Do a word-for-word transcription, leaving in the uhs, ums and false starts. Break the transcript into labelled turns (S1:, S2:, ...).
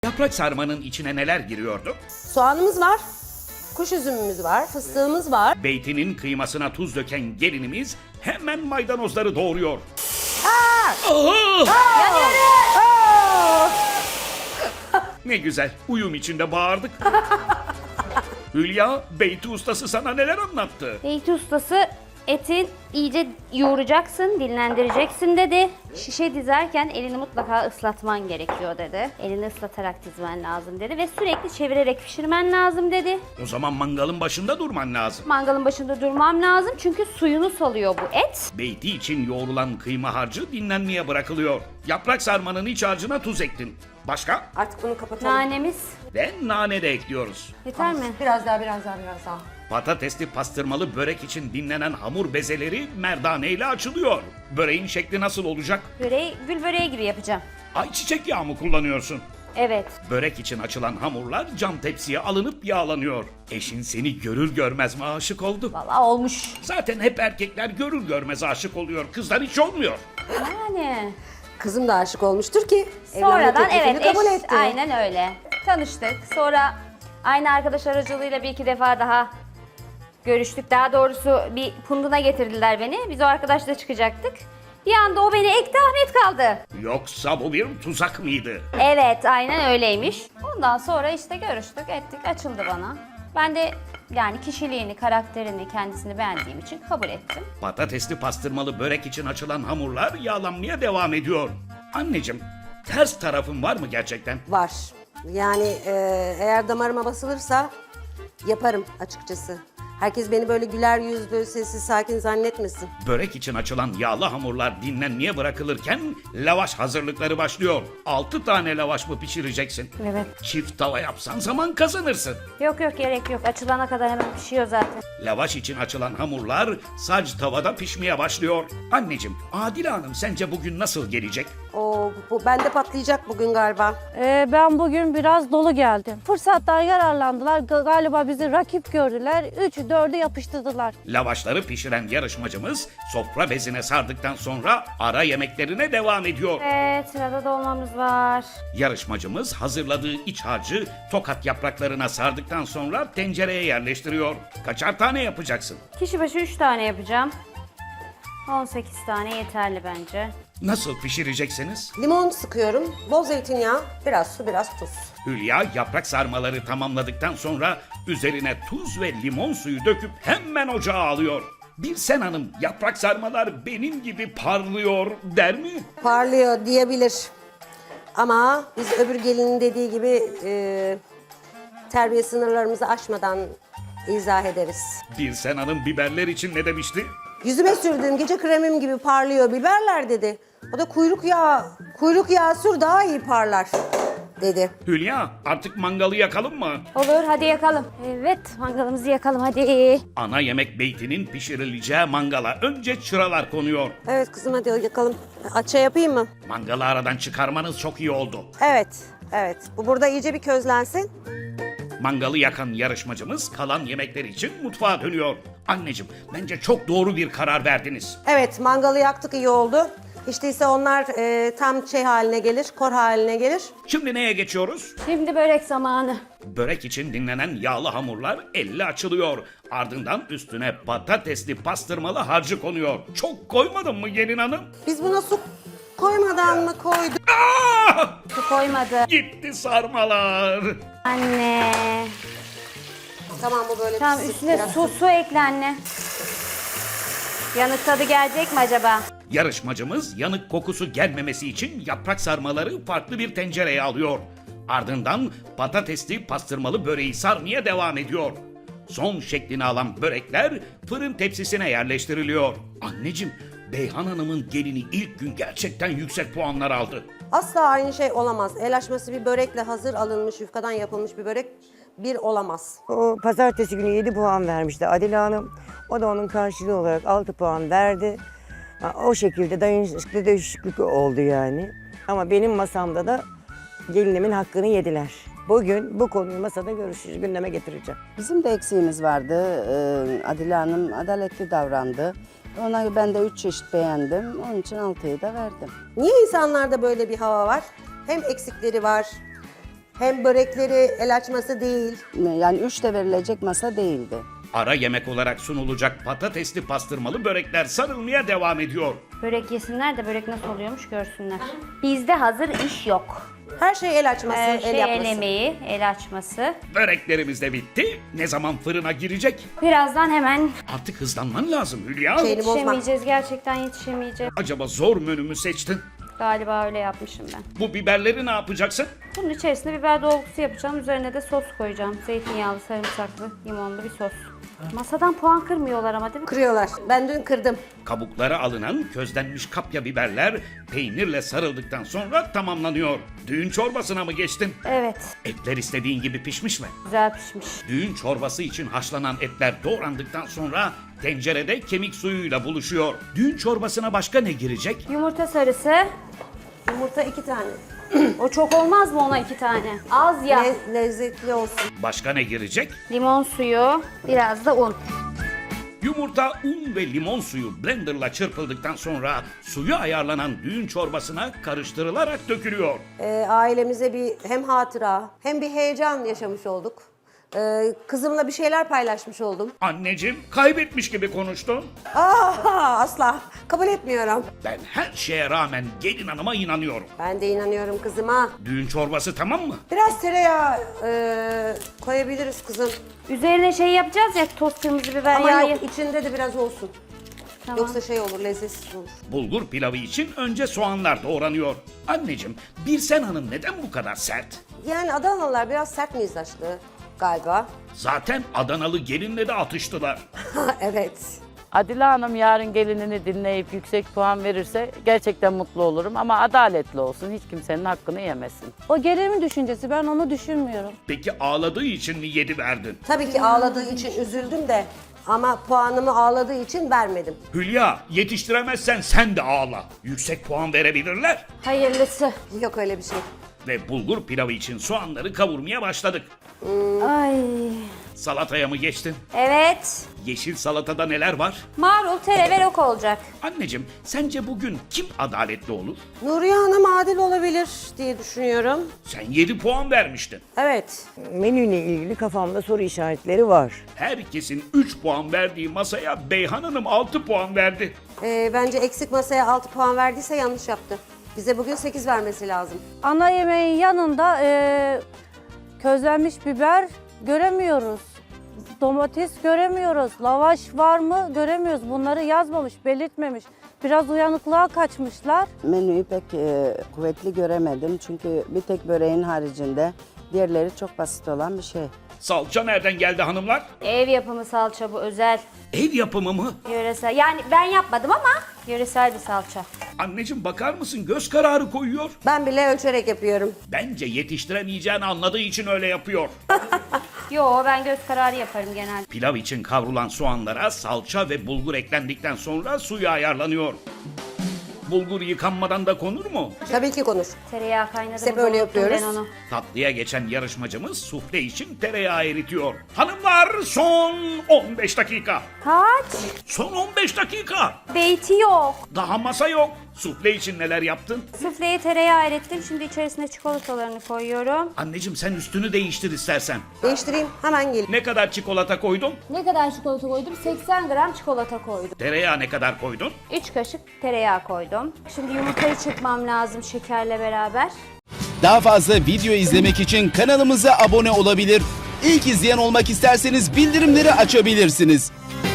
S1: Yaprak sarmanın içine neler giriyordu?
S2: Soğanımız var, kuş üzümümüz var, fıstığımız var.
S1: Beytinin kıymasına tuz döken gelinimiz hemen maydanozları doğuruyor.
S2: Aa!
S1: Aha!
S2: Aa!
S1: Ne güzel, uyum içinde bağırdık. Hülya, Beyti ustası sana neler anlattı?
S3: Beyti ustası eti iyice yoğuracaksın, dinlendireceksin dedi. Şişe dizerken elini mutlaka ıslatman gerekiyor dedi. Elini ıslatarak dizmen lazım dedi ve sürekli çevirerek pişirmen lazım dedi.
S1: O zaman mangalın başında durman lazım.
S3: Mangalın başında durmam lazım çünkü suyunu salıyor bu et.
S1: Beyti için yoğrulan kıyma harcı dinlenmeye bırakılıyor. Yaprak sarmanın iç harcına tuz ektin. Başka?
S2: Artık bunu kapatalım.
S3: Nanemiz
S1: Ve nane de ekliyoruz.
S3: yeter mi?
S2: Biraz daha, biraz daha, biraz daha.
S1: Patatesli pastırmalı börek için dinlenen hamur bezeleri merdane ile açılıyor. Böreğin şekli nasıl olacak?
S3: Böreği gül böreği gibi yapacağım.
S1: Ayçiçek yağı mı kullanıyorsun?
S3: Evet.
S1: Börek için açılan hamurlar cam tepsiye alınıp yağlanıyor. Eşin seni görür görmez mi aşık oldu?
S3: Vallahi olmuş.
S1: Zaten hep erkekler görür görmez aşık oluyor. Kızlar hiç olmuyor.
S3: Yani.
S2: Kızım da aşık olmuştur ki
S3: Sonradan
S2: evlenme teklifini
S3: evet
S2: kabul
S3: eş,
S2: etti.
S3: aynen öyle. Tanıştık. Sonra aynı arkadaş aracılığıyla bir iki defa daha görüştük. Daha doğrusu bir punduna getirdiler beni. Biz o arkadaşla çıkacaktık. Bir anda o beni ekti, Ahmet kaldı.
S1: Yoksa bu bir tuzak mıydı?
S3: Evet, aynen öyleymiş. Ondan sonra işte görüştük, ettik, açıldı bana. Ben de yani kişiliğini, karakterini, kendisini beğendiğim için kabul ettim.
S1: Patatesli pastırmalı börek için açılan hamurlar yağlanmaya devam ediyor. Anneciğim, ters tarafın var mı gerçekten?
S2: Var. Yani e, eğer damarıma basılırsa yaparım açıkçası. Herkes beni böyle güler yüzlü, sessiz, sakin zannetmesin.
S1: Börek için açılan yağlı hamurlar dinlenmeye bırakılırken lavaş hazırlıkları başlıyor. altı tane lavaş mı pişireceksin?
S3: Evet.
S1: Çift tava yapsan zaman kazanırsın.
S3: Yok yok gerek yok. Açılana kadar hemen pişiyor zaten.
S1: Lavaş için açılan hamurlar sac tavada pişmeye başlıyor. Anneciğim, Adile Hanım sence bugün nasıl gelecek?
S2: Oo, bu bende patlayacak bugün galiba.
S4: Ee, ben bugün biraz dolu geldim. Fırsattan yararlandılar. G- Galiba bizi rakip gördüler. Üçü dördü yapıştırdılar.
S1: Lavaşları pişiren yarışmacımız sofra bezine sardıktan sonra ara yemeklerine devam ediyor.
S3: Evet, sırada dolmamız var.
S1: Yarışmacımız hazırladığı iç harcı tokat yapraklarına sardıktan sonra tencereye yerleştiriyor. Kaçar tane yapacaksın?
S3: Kişi başı üç tane yapacağım. on sekiz tane yeterli bence.
S1: Nasıl pişireceksiniz?
S2: Limon sıkıyorum, bol zeytinyağı, biraz su, biraz tuz.
S1: Hülya yaprak sarmaları tamamladıktan sonra üzerine tuz ve limon suyu döküp hemen ocağa alıyor. Bir sen hanım yaprak sarmalar benim gibi parlıyor der mi?
S2: Parlıyor diyebilir. Ama biz öbür gelinin dediği gibi e, terbiye sınırlarımızı aşmadan izah ederiz.
S1: Bir sen hanım biberler için ne demişti?
S2: Yüzüme sürdüğüm gece kremim gibi parlıyor biberler dedi. O da kuyruk yağı, kuyruk yağı sür daha iyi parlar dedi.
S1: Hülya artık mangalı yakalım mı?
S3: Olur, hadi yakalım. Evet, mangalımızı yakalım hadi.
S1: Ana yemek beytinin pişirileceği mangala önce çıralar konuyor.
S2: Evet kızım hadi yakalım. Açça yapayım mı?
S1: Mangalı aradan çıkarmanız çok iyi oldu.
S2: Evet, evet. Bu burada iyice bir közlensin.
S1: Mangalı yakan yarışmacımız kalan yemekler için mutfağa dönüyor. Anneciğim bence çok doğru bir karar verdiniz.
S2: Evet, mangalı yaktık iyi oldu. İşte ise onlar e, tam şey haline gelir, kor haline gelir.
S1: Şimdi neye geçiyoruz?
S3: Şimdi börek zamanı.
S1: Börek için dinlenen yağlı hamurlar elle açılıyor. Ardından üstüne patatesli pastırmalı harcı konuyor. Çok koymadın mı gelin hanım?
S2: Biz buna su koymadan mı koyduk?
S1: Aa!
S3: Su koymadı.
S1: Gitti sarmalar.
S3: Anne.
S2: Tamam bu böyle
S3: Tamam
S2: pişsin
S3: üstüne
S2: biraz.
S3: su su ekle anne. Yanık tadı gelecek mi acaba?
S1: Yarışmacımız yanık kokusu gelmemesi için yaprak sarmaları farklı bir tencereye alıyor. Ardından patatesli pastırmalı böreği sarmaya devam ediyor. Son şeklini alan börekler fırın tepsisine yerleştiriliyor. Anneciğim, Beyhan Hanım'ın gelini ilk gün gerçekten yüksek puanlar aldı.
S2: Asla aynı şey olamaz. El açması bir börekle hazır alınmış, yufkadan yapılmış bir börek bir olamaz.
S5: O pazartesi günü yedi puan vermişti Adile Hanım. O da onun karşılığı olarak altı puan verdi. Ha, o şekilde dayanışıklı değişiklik oldu yani. Ama benim masamda da gelinimin hakkını yediler. Bugün bu konuyu masada görüşürüz, gündeme getireceğim.
S6: Bizim de eksiğimiz vardı. Ee, Adile Hanım adaletli davrandı. Ona ben de üç çeşit beğendim. Onun için altıyı da verdim.
S2: Niye insanlarda böyle bir hava var? Hem eksikleri var, Hem börekleri el açması değil.
S6: Yani üç de verilecek masa değildi.
S1: Ara yemek olarak sunulacak patatesli pastırmalı börekler sarılmaya devam ediyor.
S3: Börek yesinler de börek nasıl oluyormuş görsünler. Bizde hazır iş yok.
S2: Her şey el açması,
S3: Her
S2: el
S3: şey
S2: yapması.
S3: el emeği, el açması.
S1: Böreklerimiz de bitti. Ne zaman fırına girecek?
S3: Birazdan hemen
S1: Artık hızlanman lazım Hülya.
S2: Şeyini bozma.
S3: yetişemeyeceğiz. Gerçekten yetişemeyeceğiz.
S1: Acaba zor menü mü seçtin?
S3: Galiba öyle yapmışım ben.
S1: Bu biberleri ne yapacaksın?
S3: Bunun içerisine biber dolgusu yapacağım. Üzerine de sos koyacağım. Zeytinyağlı, sarımsaklı, limonlu bir sos. Masadan puan kırmıyorlar ama değil mi?
S2: Kırıyorlar. Ben dün kırdım.
S1: Kabukları alınan közlenmiş kapya biberler peynirle sarıldıktan sonra tamamlanıyor. Düğün çorbasına mı geçtin?
S3: Evet.
S1: Etler istediğin gibi pişmiş mi?
S3: Güzel pişmiş.
S1: Düğün çorbası için haşlanan etler doğrandıktan sonra tencerede kemik suyuyla buluşuyor. Düğün çorbasına başka ne girecek?
S3: Yumurta sarısı.
S2: Yumurta iki tane.
S3: O çok olmaz mı ona iki tane? Az ya.
S2: Le- lezzetli olsun.
S1: Başka ne girecek?
S3: Limon suyu, biraz da un.
S1: Yumurta, un ve limon suyu blenderla çırpıldıktan sonra suyu ayarlanan düğün çorbasına karıştırılarak dökülüyor.
S2: Ee, ailemize bir hem hatıra hem bir heyecan yaşamış olduk. Ee, kızımla bir şeyler paylaşmış oldum.
S1: Anneciğim kaybetmiş gibi konuştun.
S2: Aa, asla kabul etmiyorum.
S1: Ben her şeye rağmen gelin hanıma inanıyorum.
S2: Ben de inanıyorum kızıma.
S1: Düğün çorbası tamam mı?
S2: Biraz tereyağı e, koyabiliriz kızım.
S3: Üzerine şey yapacağız ya, toz kırmızı biber
S2: Ama
S3: yağı.
S2: yok, içinde de biraz olsun.
S3: Tamam.
S2: Yoksa şey olur, lezzetsiz olur.
S1: Bulgur pilavı için önce soğanlar doğranıyor. Anneciğim, Birsen Hanım neden bu kadar sert?
S2: Yani Adanalılar biraz sert mizaçlı galiba.
S1: Zaten Adanalı gelinle de atıştılar.
S2: Evet.
S7: Adile Hanım yarın gelinini dinleyip yüksek puan verirse gerçekten mutlu olurum ama adaletli olsun. Hiç kimsenin hakkını yemesin.
S4: O gelinimin düşüncesi, ben onu düşünmüyorum.
S1: Peki ağladığı için mi yedi verdin?
S2: Tabii ki ağladığı için üzüldüm de ama puanımı ağladığı için vermedim.
S1: Hülya, yetiştiremezsen sen de ağla. Yüksek puan verebilirler.
S3: Hayırlısı.
S2: Yok öyle bir şey.
S1: Ve bulgur pilavı için soğanları kavurmaya başladık.
S3: Ay.
S1: Salataya mı geçtin?
S3: Evet.
S1: Yeşil salatada neler var?
S3: Marul, tere ve rok olacak.
S1: Anneciğim, sence bugün kim adaletli olur?
S2: Nuriye Hanım adil olabilir diye düşünüyorum.
S1: Sen yedi puan vermiştin.
S2: Evet.
S5: Menüyle ilgili kafamda soru işaretleri var.
S1: Herkesin üç puan verdiği masaya Beyhan Hanım altı puan verdi.
S2: Ee, bence eksik masaya altı puan verdiyse yanlış yaptı. Bize bugün sekiz vermesi lazım.
S4: Ana yemeğin yanında e, közlenmiş biber göremiyoruz. Domates göremiyoruz. Lavaş var mı göremiyoruz. Bunları yazmamış, belirtmemiş. Biraz uyanıklığa kaçmışlar.
S6: Menüyü pek e, kuvvetli göremedim çünkü bir tek böreğin haricinde diğerleri çok basit olan bir şey.
S1: Salça nereden geldi hanımlar?
S3: Ev yapımı salça bu, özel.
S1: Ev yapımı mı?
S3: Yöresel. Yani ben yapmadım ama yöresel bir salça.
S1: Anneciğim bakar mısın, göz kararı koyuyor.
S2: Ben bile ölçerek yapıyorum.
S1: Bence yetiştiremeyeceğini anladığı için öyle yapıyor.
S3: Yo, ben göz kararı yaparım genelde.
S1: Pilav için kavrulan soğanlara salça ve bulgur eklendikten sonra suyu ayarlanıyor. Bulgur yıkanmadan da konur mu?
S2: Tabii ki konuş.
S3: Tereyağı kaynadı.
S2: Hep
S3: burada,
S2: öyle
S3: unuttum
S2: yapıyoruz.
S3: Ben onu.
S1: Tatlıya geçen yarışmacımız sufle için tereyağı eritiyor. Hanımlar son on beş dakika.
S3: Kaç?
S1: Son on beş dakika.
S3: Beyti yok.
S1: Daha masa yok. Sufle için neler yaptın?
S3: Sufleye tereyağı erittim. Şimdi içerisine çikolatalarını koyuyorum.
S1: Anneciğim sen üstünü değiştir istersen.
S2: Değiştireyim hemen gelin.
S1: Ne kadar çikolata koydun?
S3: Ne kadar çikolata koydum? seksen gram çikolata koydum.
S1: Tereyağı ne kadar koydun?
S3: üç kaşık tereyağı koydum. Şimdi yumurtayı çırpmam lazım şekerle beraber.
S8: Daha fazla video izlemek için kanalımıza abone olabilir. İlk izleyen olmak isterseniz bildirimleri açabilirsiniz.